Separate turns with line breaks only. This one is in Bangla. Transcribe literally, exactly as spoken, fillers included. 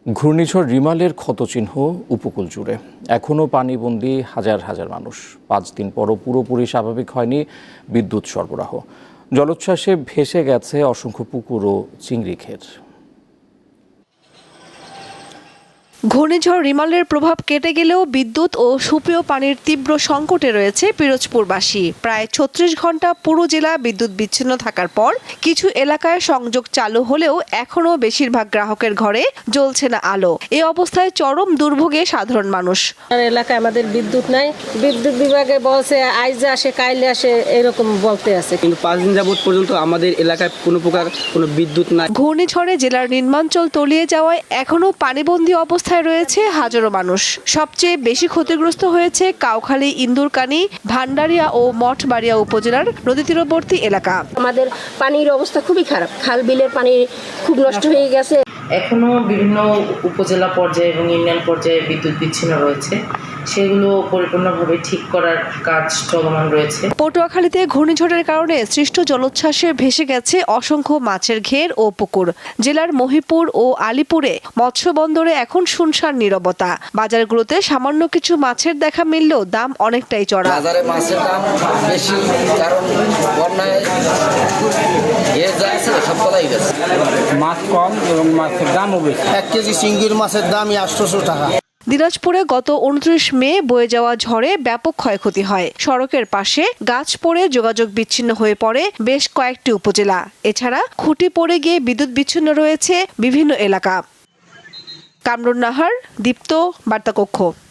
ঘূর্ণিঝড় রিমালের ক্ষতচিহ্ন উপকূল জুড়ে এখনও পানিবন্দী হাজার হাজার মানুষ। পাঁচ দিন পরও পুরোপুরি স্বাভাবিক হয়নি বিদ্যুৎ সরবরাহ। জলোচ্ছ্বাসে ভেসে গেছে অসংখ্য পুকুর ও চিংড়ি ঘের।
ঘূর্ণিঝড় রিমালের প্রভাব কেটে গেলেও বিদ্যুৎ ও সুপেয় পানির তীব্র সংকটে রয়েছে পিরোজপুরবাসী। প্রায় ছত্রিশ ঘন্টা পুরো জেলা বিদ্যুৎ বিচ্ছিন্ন থাকার পর কিছু এলাকায় সংযোগ চালু হলেও এখনও বেশিরভাগ গ্রাহকের ঘরে জ্বলছে না আলো। এ অবস্থায় চরম দুর্ভোগে সাধারণ মানুষ।
এলাকায় আমাদের বিদ্যুৎ নাই, বিদ্যুৎ বিভাগে বলছে আইজে আসে কাইলে আসে এরকম বলতে আছে,
কিন্তু পাঁচ দিন যাবত পর্যন্ত আমাদের এলাকায় কোনো প্রকার কোনো বিদ্যুৎ নাই।
ঘূর্ণিঝড়ে জেলার নিম্নাঞ্চল তলিয়ে যাওয়ায় এখনও পানিবন্দী অবস্থায় রয়েছে হাজারো মানুষ। সবচেয়ে বেশি ক্ষতিগ্রস্ত হয়েছে কাউখালী, ইন্দুরকানী, ভান্ডারিয়া ও মঠবাড়িয়া উপজেলার নদী তীরবর্তী এলাকা।
আমাদের পানির অবস্থা খুবই খারাপ, খাল বিলের পানি খুব নষ্ট হয়ে গেছে।
এখনো বিভিন্ন উপজেলা পর্যায়ে এবং ইউনিয়ন পর্যায়ে বিদ্যুৎ বিচ্ছিন্ন রয়েছে, সেগুলো পরিপূর্ণভাবে ঠিক করার কাজ চলমান রয়েছে।
পটুয়াখালীতে ঘূর্ণিঝড়ের কারণে সৃষ্ট জলোচ্ছ্বাসে ভেসে গেছে অসংখ্য মাছের ঘের ও পুকুর। জেলার মহিপুর ও আলীপুরে মৎস্য বন্দরে এখন শুনশান নীরবতা। বাজারগুলোতে সামান্য কিছু মাছের দেখা মিললেও দাম অনেকটাই চড়া।
বাজারে মাছের দাম বেশি, কারণ বন্যায় সব তলাই গেছে।
মাছ কম এবং মাছের দামও বেশি।
এক কেজি চিংড়ির মাছের দামই আটশোশো টাকা।
দিনাজপুরে গত উনত্রিশ মে বয়ে যাওয়া ঝড়ে ব্যাপক ক্ষয়ক্ষতি হয়। সড়কের পাশে গাছ পড়ে যোগাযোগ বিচ্ছিন্ন হয়ে পড়ে বেশ কয়েকটি উপজেলা। এছাড়া খুঁটি পড়ে গিয়ে বিদ্যুৎ বিচ্ছিন্ন রয়েছে বিভিন্ন এলাকা। কামরুন নাহার, দীপ্ত, বার্তাকক্ষ।